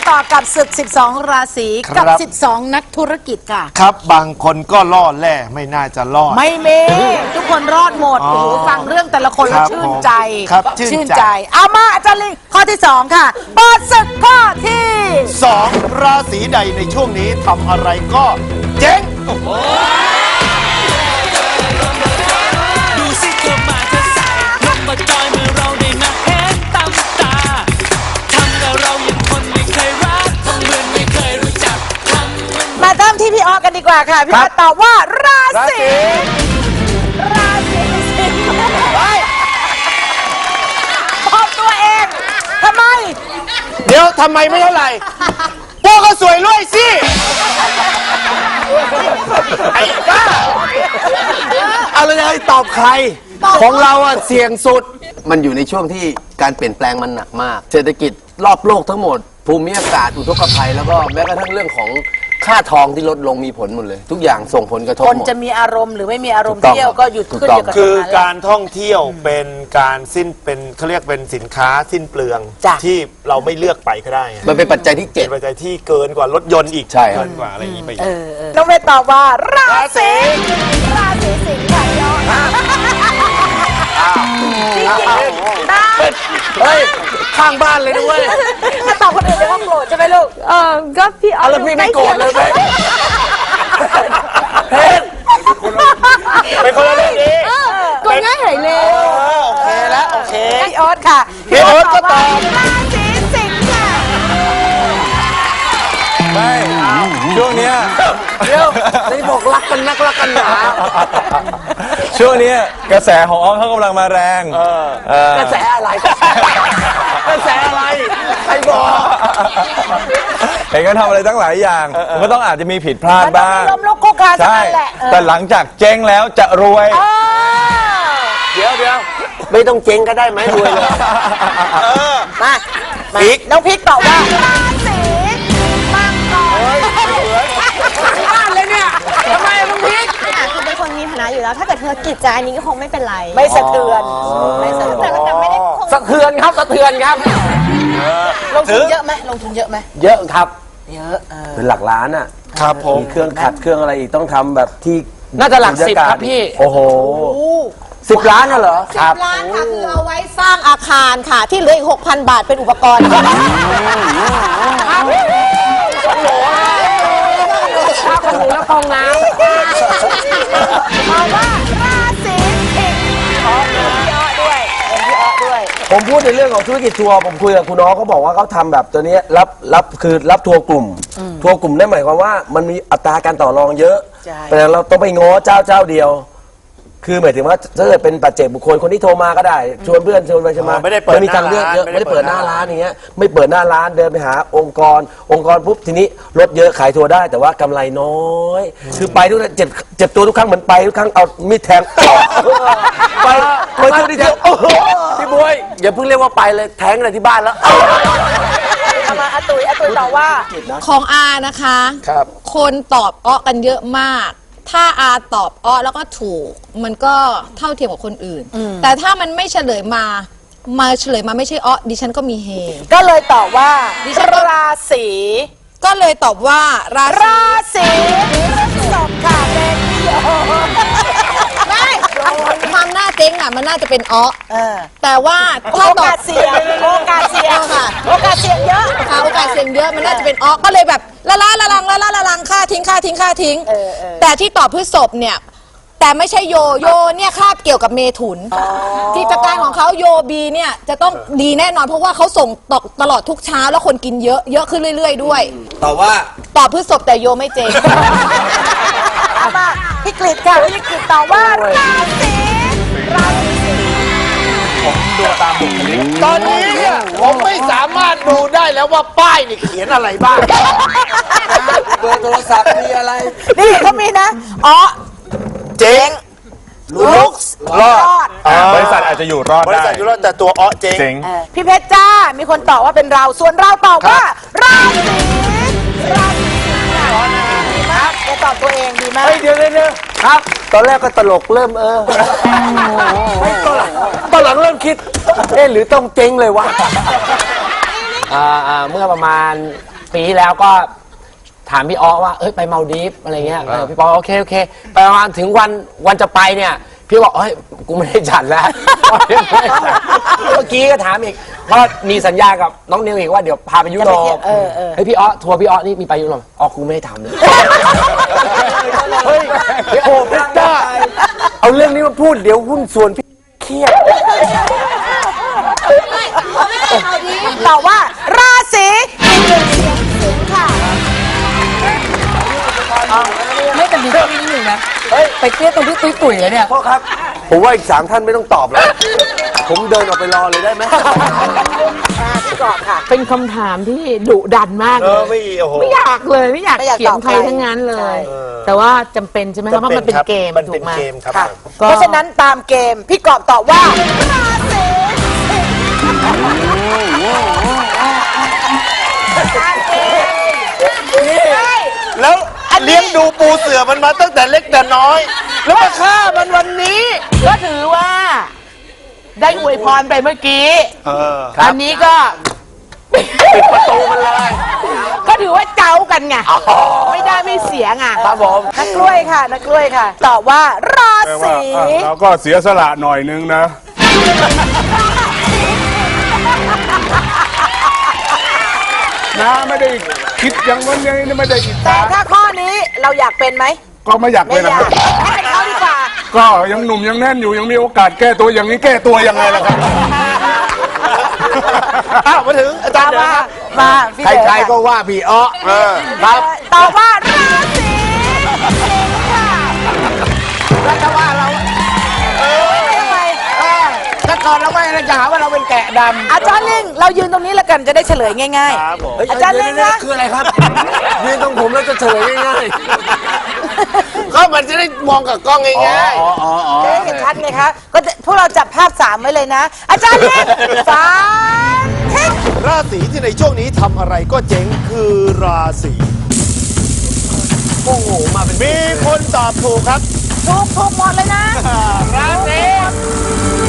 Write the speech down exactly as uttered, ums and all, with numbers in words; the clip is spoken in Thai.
ต่อกับศึกสิบสองราศีกับสิบสองนักธุรกิจค่ะครับบางคนก็รอดแล่ไม่น่าจะรอดไม่เมทุกคนรอดหมดโอ้โหฟังเรื่องแต่ละคนแล้วชื่นใจครับชื่นใจเอามาอาจารย์ลิงข้อที่สองค่ะเปิดศึกข้อที่สองราศีใดในช่วงนี้ทำอะไรก็เจ๊งดูสิเธอมาเธอใส่ลงมาจอยเมื่อเราได้มาเห็นตามตาทำกับเราอย่างคนไม่เคยรักทำเหมือนไม่เคยรู้จักมาเริ่มที่พี่ออกันดีกว่าค่ะพี่ออตอบว่าราศีราศีสิงห์ตอบตัวเองทำไมเดี๋ยวทำไมไม่เท่าไหร่พวกก็สวยรวยสิไอ้บ้าอะไรนะตอบใครของเราอะเสี่ยงสุดมันอยู่ในช่วงที่การเปลี่ยนแปลงมันหนักมากเศรษฐกิจรอบโลกทั้งหมดภูมิอากาศอุทกภัยแล้วก็แม้กระทั่งเรื่องของค่าทองที่ลดลงมีผลหมดเลยทุกอย่างส่งผลกระทบหมดคนจะมีอารมณ์หรือไม่มีอารมณ์เที่ยวก็หยุดขึ้นอยู่กับคือการท่องเที่ยวเป็นการสิ้นเป็นเขาเรียกเป็นสินค้าสิ้นเปลืองที่เราไม่เลือกไปก็ได้มันเป็นปัจจัยที่เจ็ดปัจจัยที่เกินกว่ารถยนต์อีกใช่เกินกว่าอะไรอย่างนี้ไปน้องเวทตอบว่าราศีราศีสิงห์ค่ะยอดจริงๆได้เฮ้ยข้างบ้านเลยด้วยถ้าตอบคนอื่นจะว่าโกรธใช่ไหมลูกเออก็พี่เอาแล้วพี่ไม่โกรธเลยไหมเพชรเป็นคนละเรื่องนี้ก็ง่ายหายเลยโอเคแล้วโอเคพี่ออสค่ะพี่ออสก็ตอบราศีสิงห์ค่ะไม่ช่วงนี้เดี๋ยวได้บอกรักกันนักรักกันหนาช่วงนี้กระแสของอ้อมเขากำลังมาแรงกระแสอะไรกระแสอะไรใครบอกเห็นกันทำอะไรตั้งหลายอย่างมันก็ต้องอาจจะมีผิดพลาดบ้างล้มลุกคุกคานใช่แต่หลังจากเจ๊งแล้วจะรวยเดี๋ยวเดี๋ยวไม่ต้องเจ๊งก็ได้ไหมรวยเลยมาพิกน้องพิกตอบว่าราศีมังกรบ้านเลยเนี่ยทำไมน้องพิกคือเป็นคนมีฐานะอยู่แล้วถ้าเกิดธุรกิจจะอันนี้ก็คงไม่เป็นไรไม่สะเทือนไม่สะเทือนแต่ไม่ได้สะเทือนครับสะเทือนครับลงทุนเยอะไหมลงทุนเยอะไหมเยอะครับเยอะเป็นหลักล้านอ่ะครับผมมีเครื่องขัดเครื่องอะไรอีกต้องทำแบบที่น่าจะหลักสิบครับพี่โอ้โหสิบล้านน่ะเหรอสิบล้านค่ะคือเอาไว้สร้างอาคารค่ะที่เหลืออีกหกพันบาทเป็นอุปกรณ์โอ้โหข้าวขนมแล้วฟองน้ำมาว่าราศีสิงห์ขอเป็นพี่อ้อด้วยเป็นพี่อ้อด้วยผมพูดในเรื่องของธุรกิจทัวร์ผมคุยกับคุณน้องเขาบอกว่าเขาทำแบบตัวนี้รับรับคือรับทัวร์กลุ่มทัวร์กลุ่มนั่นหมายความว่ามันมีอัตราการต่อรองเยอะแต่เราต้องไปง้อเจ้าเจ้าเดียวคือหมายถึงว่าถ้าเกิดเป็นปัจเจกบุคคลคนที่โทรมาก็ได้ชวนเพื่อนชวนไปใช่ไหมไม่ได้เปิดมีทางเลือกเยอะไม่ได้เปิดหน้าร้านอย่างเงี้ยไม่เปิดหน้าร้านเดินไปหาองค์กรองค์กรปุ๊บทีนี้รถเยอะขายทัวร์ได้แต่ว่ากำไรน้อยคือไปทุกเจ็บเจ็บตัวทุกครั้งเหมือนไปทุกครั้งเอามีดแทงไปไปทุกที่เดียวพี่บวยอย่าเพิ่งเรียกว่าไปเลยแทงอะไรที่บ้านแล้วมาอาตุยอาตุยตอบว่าของอานะคะครับคนตอบอ้อกันเยอะมากถ้าอาตอบอ้อแล้วก็ถูกมันก็เท่าเทียมกับคนอื่นแต่ถ้ามันไม่เฉลยมามาเฉลยมาไม่ใช่อ้อดิฉันก็มีเฮก็เลยตอบว่าดิฉันราศีก็เลยตอบว่าราราศีตอบค่ะเป็นพี่โอไม่ความน่าเจ๊งอ่ะมันน่าจะเป็นอ้อแต่ว่าโอกาสเสี่ยงโอกาสเสี่ยงค่ะโอกาสเสี่ยงเยอะค่ะโอกาสเสี่ยงเยอะมันน่าจะเป็นอ้อก็เลยแบบละล้าละลังละล้าละลังค่าทิ้งค่าทิ้งค่าทิ้งแต่ที่ตอบพฤษภเนี่ยแต่ไม่ใช่โยโยเนี่ยคาบเกี่ยวกับเมถุนกิจการของเขาโยบีเนี่ยจะต้องดีแน่นอนเพราะว่าเขาส่งตกตลอดทุกเช้าแล้วคนกินเยอะเยอะขึ้นเรื่อยๆด้วยตอบว่าตอบพฤษภแต่โยไม่เจ๊งมาพี่กฤษค่ะพี่กฤษตอบว่าราศีราศีผมดูตามบุคลิกตอนนี้เนี่ยผมไม่สามารถดูได้แล้วว่าป้ายนี่เขียนอะไรบ้างเบอร์โทรศัพท์มีอะไรนี่เขามีนะอ๋อเจ๊งลุกรอดบริษัทอาจจะอยู่รอดได้บริษัทอยู่รอดแต่ตัวอ้อเจ๊งพี่เพชรจ้ามีคนตอบว่าเป็นเราส่วนเราตอบว่าราศีราศีดีมากจะตอบตัวเองดีมากเดี๋ยวเดี๋ยวครับตอนแรกก็ตลกเริ่มเออตอนหลังตอนหลังเริ่มคิดเอ๊ะหรือต้องเจ๊งเลยวะอ่าเมื่อประมาณปีที่แล้วก็ถามพี่อ้อว่าเอ้ยไปมาลดีฟอะไรเงี้ยเออพี่ปอโอเคโอเคไปประมาณถึงวันวันจะไปเนี่ยพี่บอกเฮ้ยกูไม่ได้จัดแล้ว เมื่อกี้ก็ถามอีกเพราะมีสัญญากับน้องนิวอีกว่าเดี๋ยวพาไปยุโรปเฮ้ยพี่อ้อทัวร์พี่อ้อนี่มีไปยุโรปอ๋อกูไม่ได้ทำเลยเฮ้ยโอ้พี่ต้าเอาเรื่องนี้มาพูดเดี๋ยวหุ้นส่วนพี่เครียดตอบว่าราศีสิงค์ค่ะไม่แต่มีแค่นี้นิดหนึ่งนะไปเครียดตรงที่ตุ้ยตุ๋ยเลยเนี่ยพ่อครับผมว่าอีกสามท่านไม่ต้องตอบแล้วผมเดินออกไปรอเลยได้ไหมพี่กอบค่ะเป็นคำถามที่ดุดันมากเลยไม่โอ้โหไม่อยากเลยไม่อยากไม่อยากเขียนตอบใครใครทั้งนั้นเลใช่ย แต่ว่าจำเป็นใช่ไหมคะเพราะมันเป็นเกมมันถูเป็นกไหมเกมครับค่ะก็เพราะฉะนั้นตามเกมพี่กอบตอบว่าราศีแล้วเลี้ยงดูปูเสือมันมาตั้งแต่เล็กแต่น้อย แล้วมาฆ่ามันวันนี้ก็ถือว่าได้อวยพรไปเมื่อกี้เอออันนี้ก็ปิดประตูมันเลย ก็ถือว่าเจ้ากันไงไม่ได้ไม่เสียไงครับผมนักกล้วยค่ะนักกล้วยค่ะ ตอบว่าราศีเราก็เสียสละหน่อยนึงนะ นะไม่ได้คิดอย่างวันนี้ไม่ได้อิจแต่ฉาถ้าข้อนี้เราอยากเป็นไหมก็ไม่อยากไม่เป็นอนะยากให้เป็นเขาดีกว่าก็ยังหนุ่มยังแน่นอยู่ยังมีโอกาสแก้ตัวอย่างนี้แก้ตัวยังไงล่ะครับอ้าวมาถึงอาจารย์มานะครับมาพี่ใครๆก็ว่าพี่อ้อเออครับตอบว่าราศีสิงค์ค่ะแล้วจะว่าเราทำไมถ้าก่อนเราไม่เราจะหาว่าเราเป็นแกะดำอาจารย์ลิงเรายืนตรงนี้แล้วกันจะได้เฉลยง่ายครับผมๆ อาจารย์ลิงนะคืออะไรครับยืนตรงผมแล้วจะเฉลยง่ายก็มันจะได้มองกับกล้องง่ายจะได้เห็นชัดไงคะก็จะพวกเราจับภาพสามไว้เลยนะ อาจารย์ลิงสามทิศราศีที่ในช่วงนี้ทำอะไรก็เจ๊งคือราศีๆโอ้โหมาเป็นมีคนตอบถูกครับถูกถูกหมดเลยนะราศี